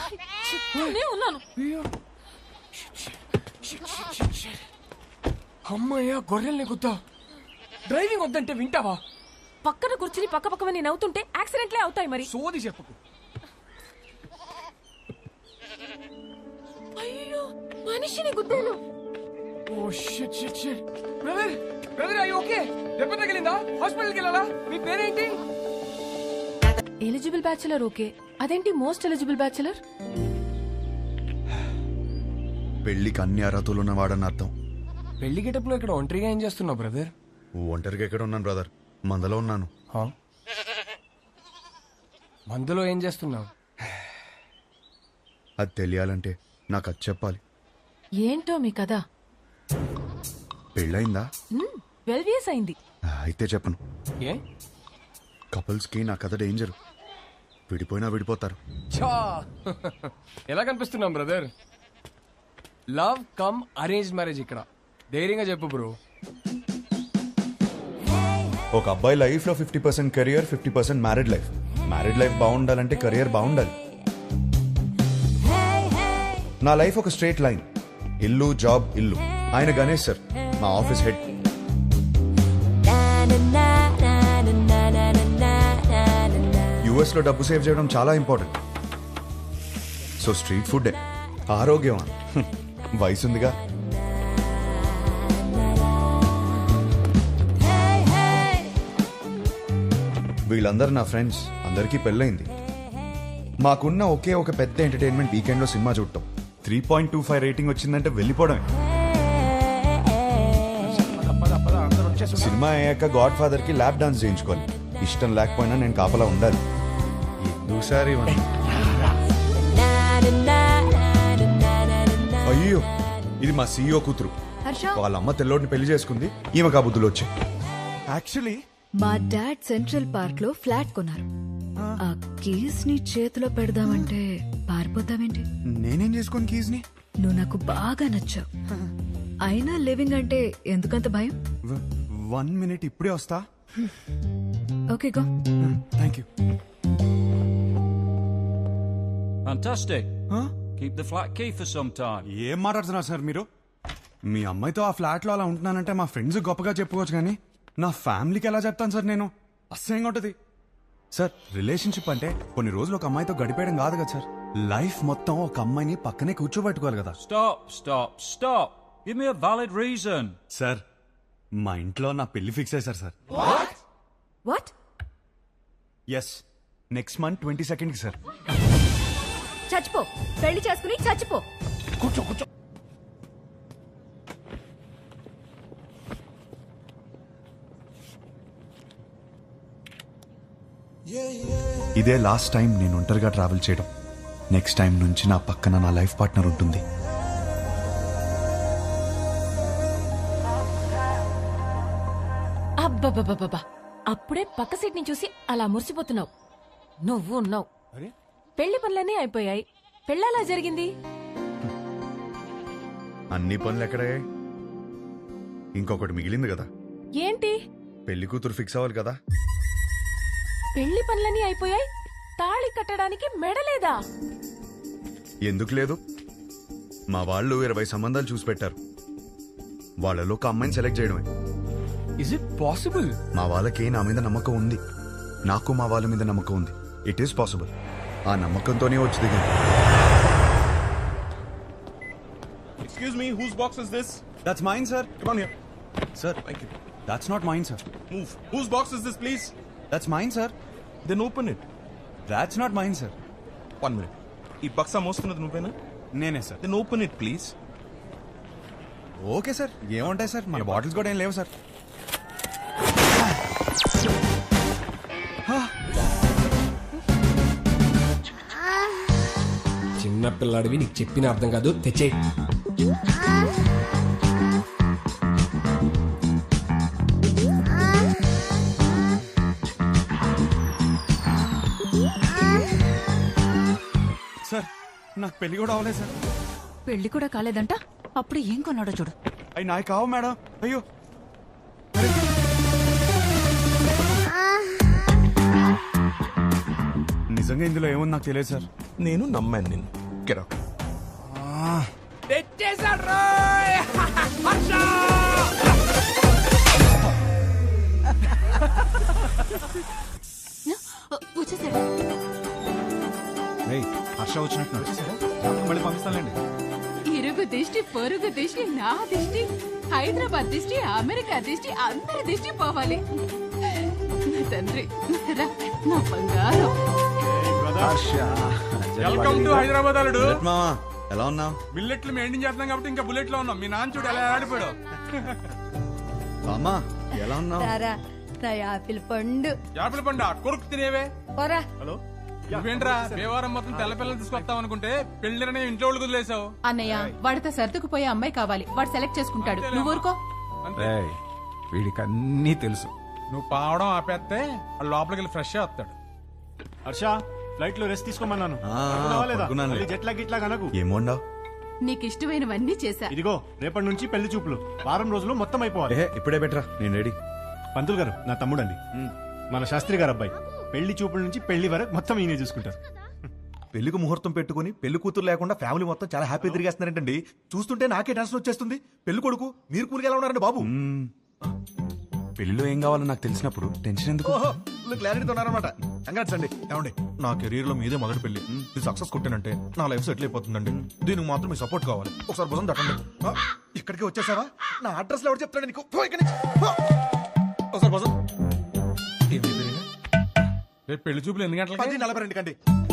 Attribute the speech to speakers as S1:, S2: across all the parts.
S1: ఉన్నాను.
S2: అమ్మయ్యా, గొర్రెల్ని గుద్దా. డ్రైవింగ్ వద్దంటే వింటావా?
S1: పక్కన కూర్చుని పక్క పక్కన నేను అవుతుంటే యాక్సిడెంట్లే అవుతాయి మరి.
S2: సోది చెప్పకు.
S1: అయ్యో, మనిషిని గుద్దాను.
S2: Oh shit shit shit. Brother brother, are you okay? దెబ్బ తగిలిందా? హాస్పిటల్కి వెళ్ళాలా? మీ పేరేంటి?
S1: ఎలిజిబుల్ బ్యాచులర్ ఓకే, అదేంటి మోస్ట్ ఎలిజిబుల్ బ్యాచులర్?
S3: పెళ్లికి అన్ని అర్హతలు ఉన్నవాడని అర్థం.
S2: పెళ్లి గెటప్లో ఇక్కడ ఒంటరిగా ఏం చేస్తున్నావు బ్రదర్?
S3: ఒంటరిగా ఎక్కడ ఉన్నాను బ్రదర్, మందలో ఉన్నాను.
S2: మందులో ఏం చేస్తున్నావు?
S3: అది తెలియాలంటే నాకు అది చెప్పాలి.
S1: ఏంటో మీ కదా?
S3: పెళ్ళయిందా?
S1: 12 years అయింది.
S3: అయితే చెప్పను.
S2: ఏ?
S3: కపుల్స్ కి నా కథ డేంజర్. విడిపోయినా విడిపోతారు.
S2: చా ఎలా కనిపిస్తున్నాం brother? Love come arrange marriage ఇక్కడ. ధైర్యంగా చెప్పు బ్రో.
S3: ఒక అబ్బాయి లైఫ్ లో 50% career, 50% married life. Married life బాగుండాలంటే కెరియర్ బాగుండాలి. నా లైఫ్ ఒక స్ట్రైట్ లైన్. ఇల్లు, జాబ్, ఇల్లు. ఆయన గణేష్ సార్, మా ఆఫీస్ హెడ్. యుఎస్ లో డబ్బు సేవ్ చేయడం చాలా ఇంపార్టెంట్. సో స్ట్రీట్ ఫుడ్ ఆరోగ్యం. వయసుందిగా. వీళ్ళందరూ నా ఫ్రెండ్స్. అందరికీ పెళ్ళైంది. మాకున్న ఒకే ఒక పెద్ద ఎంటర్టైన్మెంట్ వీకెండ్ లో సినిమా చూడటం. 3.25 రేటింగ్ వచ్చిందంటే వెళ్ళిపోవడమే. సినిమా అయ్యాక గాడ్ ఫాదర్ కి ల్యాప్ డాన్స్ చేయించుకోవాలి. ఇష్టం లేకపోయినా నేను కాపలా ఉండాలి. ఎందుసారి అయ్యో, ఇది మా సీఈఓ కూతురు. వాళ్ళ అమ్మ తెల్లోడిని పెళ్లి చేసుకుంది. ఈమె కాబుద్దులు వచ్చాయి.
S4: యాక్చువల్లీ
S5: మా డాడ్ సెంట్రల్ పార్క్ లో ఫ్లాట్ కొన్నారు. ఆ కీస్ ని చేతిలో పెడదామంటే పారిపోతావేంటి?
S4: నేనేం చేసుకోను కీస్ ని.
S5: నువ్వు నాకు బాగా నచ్చావు. అయినా లివింగ్ అంటే ఎందుకంత భయం?
S4: 1 minute, ఇప్పుడే వస్తా.
S5: Okay go.
S4: Thank you.
S6: Fantastic. Keep the flat key for some time.
S4: ఏం మాట్లాడుతున్నారు సార్ మీరు? మీ అమ్మాయితో ఆ ఫ్లాట్ లో అలా ఉంటున్నానంటే మా ఫ్రెండ్స్ గొప్పగా చెప్పుకోవచ్చు, కానీ నా ఫ్యామిలీకి ఎలా చెప్తాను సార్ నేను? అసహ్యంగా ఉంటది సార్. రిలేషన్షిప్ అంటే కొన్ని రోజులు ఒక అమ్మాయితో గడిపేయడం కాదు కదా సార్. లైఫ్ మొత్తం ఒక అమ్మాయిని పక్కనే కూర్చోబెట్టుకోవాలి కదా.
S6: Stop. Give me a valid reason.
S4: Sir, మా ఇంట్లో నా పెళ్లి ఫిక్స్ అయ్యారు sir.
S5: What?
S4: Yes, next month 22nd కి సార్.
S5: చచ్చిపో, పెళ్లి చేసుకుని చచ్చిపో.
S2: కూర్చో కూర్చో.
S3: ఇదే లాస్ట్ టైం నేను ఒంటరిగా ట్రావెల్ చేయడం. నెక్స్ట్ టైం నుంచి నా పక్కన నా లైఫ్ పార్ట్నర్ ఉంటుంది.
S1: అబ్బబ్బబ్బబ్బా, అప్పుడే పక్క సీట్ ని చూసి అలా మురిసిపోతున్నావు. నువ్వు ఉన్నావు. పెళ్లి పనులన్నీ అయిపోయాయి. పెళ్ళలా జరిగింది.
S3: అన్ని పనులు ఎక్కడే? ఇంకొకటి మిగిలింది కదా.
S1: ఏంటి?
S3: పెళ్లి కూతురు ఫిక్స్ అవ్వాలి కదా.
S1: పెళ్లి పనులన్నీ అయిపోయాయి, తాళి కట్టడానికి మెడలేదా?
S3: ఎందుకు లేదు? మా వాళ్ళు 20 సంబంధాలు చూసి పెట్టారు. వాళ్ళలో ఒక అమ్మాయిని సెలెక్ట్ చేయడమే.
S2: Is it possible?
S3: మా వాళ్ళకి నా మీద నమ్మకం ఉంది. నాకు మా వాళ్ళ మీద నమ్మకం ఉంది. It is possible. ఆ నమ్మకంతోనే వచ్చి దిగింది.
S7: Excuse me, whose box is this?
S4: That's mine, sir.
S7: Come on here.
S4: Sir,
S7: Thank you.
S4: that's not mine, sir.
S7: Move. Whose box is this, please?
S4: That's mine, sir.
S7: Then open it.
S4: That's not mine, sir.
S7: 1 minute. ఈ బక్సా మోస్తున్నది నువ్వేనా?
S4: నేనే sir.
S7: Then open it, please.
S4: Okay sir, ఏముంటాయి sir, మన bottles కూడా ఏం లేవు sir.
S2: చిన్న పిల్లాడివి, నీకు చెప్పిన అర్థం కాదు. తెచ్చే.
S4: సార్, నాకు పెళ్లి కూడా అవ్వలేదు సార్.
S5: పెళ్లి కూడా కాలేదంట, అప్పుడు ఏం కొన్నాడో చూడు.
S4: అవి నాకు కావు మేడం. అయ్యో, నిజంగా ఇందులో ఏముంది నాకు తెలియదు సార్.
S7: నేను నమ్మాను నిన్ను. Get out.
S1: వచ్చేసాడు.
S4: హర్ష వచ్చినట్టు మళ్ళీ పంపిస్తానండి.
S8: ఇరుగు దిష్టి పొరుగు దిష్టి నా దిష్టి హైదరాబాద్ దిష్టి అమెరికా దిష్టి అందరి దిష్టి పోవాలి. నా తండ్రి రా, నా బంగారం.
S4: వెల్కమ్ టు హైదరాబాద్ అల్లుడు.
S3: మామా ఎలా ఉన్నావు?
S4: బిల్లెట్లు మెయింటైన్ చేస్తున్నాం కాబట్టి ఇంకా బుల్లెట్ లో ఉన్నాం. మీ నాన్న చూడు ఎలా ఆడిపోయాడు.
S3: అమ్మా ఎలా ఉన్నావు?
S9: నా యాపిల్ పండు
S4: యాపిల్ పండు కొరుకు తినేవే.
S9: పోరా.
S4: నువ్వేంట్రా దేవారం మొత్తం తెల్ల పిల్లలు తీసుకొస్తావు అనుకుంటే పెళ్లిరనే ఇంట్లో వాళ్ళు వదిలేసావు.
S8: అన్నయ్య వాడితో సర్దుకుపోయే అమ్మాయి కావాలి, వాడు సెలెక్ట్ చేసుకుంటాడు. నువ్వు ఊరుకో.
S10: వీడికి అన్నీ తెలుసు.
S4: నువ్వు పావడం ఆపేస్తే వాడు లోపలికి వెళ్ళి ఫ్రెష్ వస్తాడు.
S10: హర్ష ఫ్లైట్ లో రెస్ట్ తీసుకోమన్నాను.
S3: పడుకున్నానులే.
S10: గిట్లా కనకు.
S3: ఏమోండావు?
S8: నీకు ఇష్టమైనవన్నీ చేశా.
S10: ఇదిగో రేపటి నుంచి పెళ్లి చూపులు వారం రోజులు మొత్తం అయిపోవాలి.
S3: ఇప్పుడే బెటరా, నేను రెడీ.
S10: పంతులు గారు నా తమ్ముడండి, మన శాస్త్రి గారు అబ్బాయి. పెళ్లి చూపుల నుంచి పెళ్లి వరకు మొత్తం ఈయనే చూసుకుంటారు.
S7: పెళ్లికి ముహూర్తం పెట్టుకుని పెళ్లి కూతురు లేకుండా ఫ్యామిలీ మొత్తం చాలా హ్యాపీ తిరిగేస్తున్నారంటండి. చూస్తుంటే నాకే టెన్షన్ వచ్చేస్తుంది. పెళ్లి కొడుకు మీరు కూలికి ఎలా ఉన్నారండి బాబు?
S4: పెళ్లిలో ఏం కావాలో నాకు తెలిసినప్పుడు టెన్షన్ ఎందుకు?
S7: క్లారిటీతో ఉన్నారనమాట. కంగ్రాట్స్ అండి. ఏమండి నా కెరీర్ లో మీదే మొదటి పెళ్లి. ఇది సక్సెస్ కొట్టానంటే నా లైఫ్ సెటిల్ అయిపోతుందండి. దీనికి మాత్రం మీ సపోర్ట్ కావాలి. ఒకసారి భుజం తట్టండి. ఇక్కడికి వచ్చేసావా? నా అడ్రస్ లో ఎవరు చెప్తాడు నీకు? పో ఇక్కడి నుంచి. పో. ఒకసారి భుజం.
S4: రేపు పెళ్లి చూపులు ఎన్ని గంటలకి?
S7: 10:42 కండి.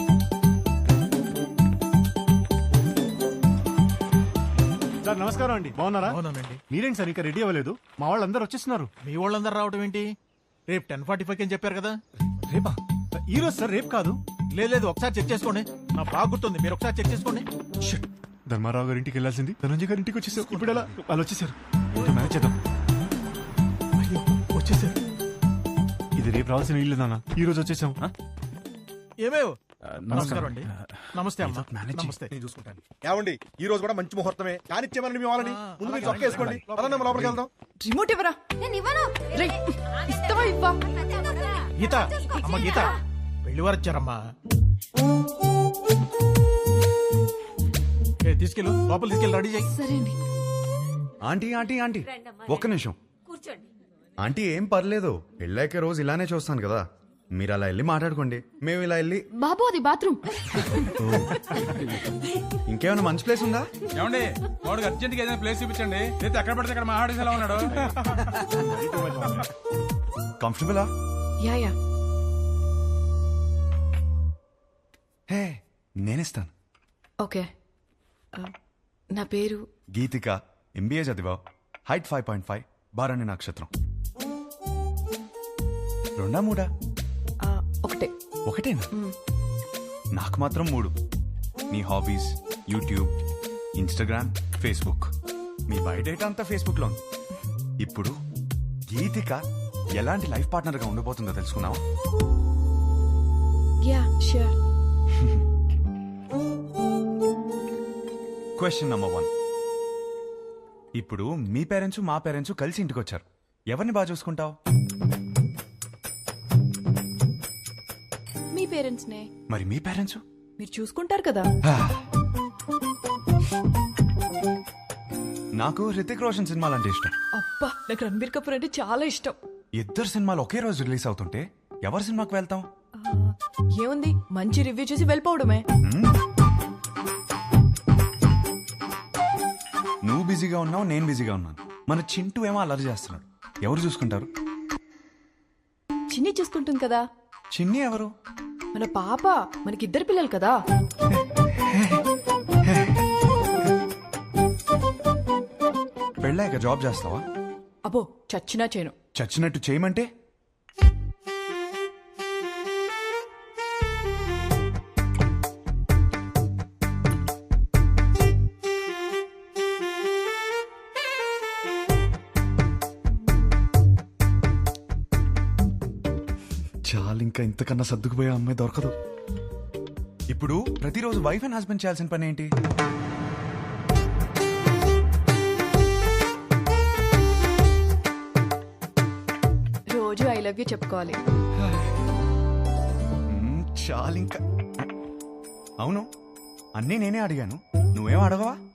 S10: సార్ నమస్కారం అండి, బాగున్నారా? మీరేంటి సార్ ఇంకా రెడీ అవ్వలేదు? మా వాళ్ళందరూ వచ్చేస్తున్నారు.
S11: మీ వాళ్ళందరూ రావడం ఏంటి? రేపు 10:45 అని చెప్పారు కదా.
S10: రేపా? ఈ రోజు సార్, రేపు కాదు.
S11: లేదు ఒకసారి చెక్ చేసుకోండి. నా బాగా గుర్తుంది, మీరు ఒకసారి చెక్ చేసుకోండి.
S10: Shit. ధర్మారావు గారి ఇంటికి వెళ్ళాల్సింది ధనంజయ్ గారి ఇంటికి వచ్చేసారు. ఇప్పుడు ఎలా? వాళ్ళు వచ్చేసారు. మేనేజ్ చేద్దాం.
S11: అయ్యో వచ్చేసారు.
S10: ఇది రేపు రావాల్సిన ఇల్లు నాన్న, ఈ రోజు వచ్చేసాం.
S11: ఏమేవ్ నమస్కారం అండి. నమస్తే అమ్మా. నమస్తే.
S7: నేను చూసుకుంటాను. ఏమండి ఈ రోజు కూడా మంచి ముహూర్తమే. కానిచ్చేమని మీ వాళ్ళని ముందు మీరు చొక్క వేసుకోండి. పదండి అమ్మ, లోపలికి వెళ్దాం.
S5: రిమోట్ ఇవ్వరా. ఇస్తావా ఇవ్వా?
S11: గీత అమ్మ, గీత పెళ్లి వారు వచ్చారమ్మా. తీసుకెళ్ళు, లోపల తీసుకెళ్ళి రెడీ చేయి.
S5: సరే అండి.
S3: ఆంటీ ఆంటీ ఆంటీ ఒక్క నిమిషం. ఆంటీ ఏం పర్లేదు, పెళ్ళాక రోజు ఇలానే చూస్తాను కదా. మీరు అలా వెళ్ళి మాట్లాడుకోండి, మేము ఇలా వెళ్ళి.
S8: బాబు అది బాత్రూమ్.
S3: ఇంకేమైనా మంచి ప్లేస్ ఉందా?
S4: ఏమండి వాడికి అర్జెంట్ గా ఏదైనా ప్లేస్ చూపించండి. అయితే ఎక్కడ పడితే అక్కడ మా ఆడేసి ఎలా ఉన్నాడు.
S3: కంఫర్టబులా?
S5: Yeah yeah.
S3: హే నేనిస్తాను.
S5: ఓకే. నా పేరు
S3: గీతిక, ఎంబీఏ చదివా, హైట్ 5.5, బారాణి నక్షత్రం. రెండా మూడా?
S5: ఒకటే.
S3: ఒకటేనా? నాకు మాత్రం 3. నీ హాబీస్ యూట్యూబ్, ఇన్స్టాగ్రామ్, ఫేస్బుక్. మీ బయోడేటా అంతా ఫేస్బుక్ లో ఉంది. ఇప్పుడు గీతిక ఎలాంటి లైఫ్ పార్ట్నర్ గా ఉండబోతుందో తెలుసుకున్నావా?
S5: Yeah sure.
S3: Question number 1. ఇప్పుడు మీ పేరెంట్స్ మా పేరెంట్స్ కలిసి ఇంటికి వచ్చారు. ఎవరిని బాగా చూసుకుంటావు?
S5: మీ పేరెంట్స్ నే.
S3: మరి మీ పేరెంట్స్?
S5: మీరు చూసుకుంటారు కదా.
S3: నాకు హృతిక్ రోషన్ సినిమాలు అంటే ఇష్టం.
S5: అబ్బా నాకు రణబీర్ కపూర్ అంటే చాలా ఇష్టం.
S3: ఇద్దరు సినిమాలు ఒకే రోజు రిలీజ్ అవుతుంటే ఎవరి సినిమాకి వెళ్తాం?
S5: ఏముంది, మంచి రివ్యూ చూసి వెళ్ళిపోవడమే.
S3: నువ్వు బిజీగా ఉన్నావు, నేను బిజీగా ఉన్నాను. మన చింటూ ఏమో అల్లరి చేస్తున్నాడు. ఎవరు చూసుకుంటారు?
S5: చిన్ని చూసుకుంటుంది కదా.
S3: చిన్ని ఎవరు?
S5: మన పాప. మనకిద్దరు పిల్లలు కదా.
S3: పెళ్ళాక జాబ్ చేస్తావా?
S5: అబ్బో చచ్చినా చేయను.
S3: చచ్చినట్టు చేయమంటే? చాలు, ఇంకా ఇంతకన్నా సర్దుకుపోయే అమ్మాయి దొరకదు. ఇప్పుడు ప్రతిరోజు వైఫ్ అండ్ హస్బెండ్ చేయాల్సిన పని ఏంటి?
S5: రోజు ఐ లవ్ యూ చెప్పుకోవాలి.
S3: చాలు ఇంకా. అవును, అన్నీ నేనే అడిగాను, నువ్వేం అడగవా?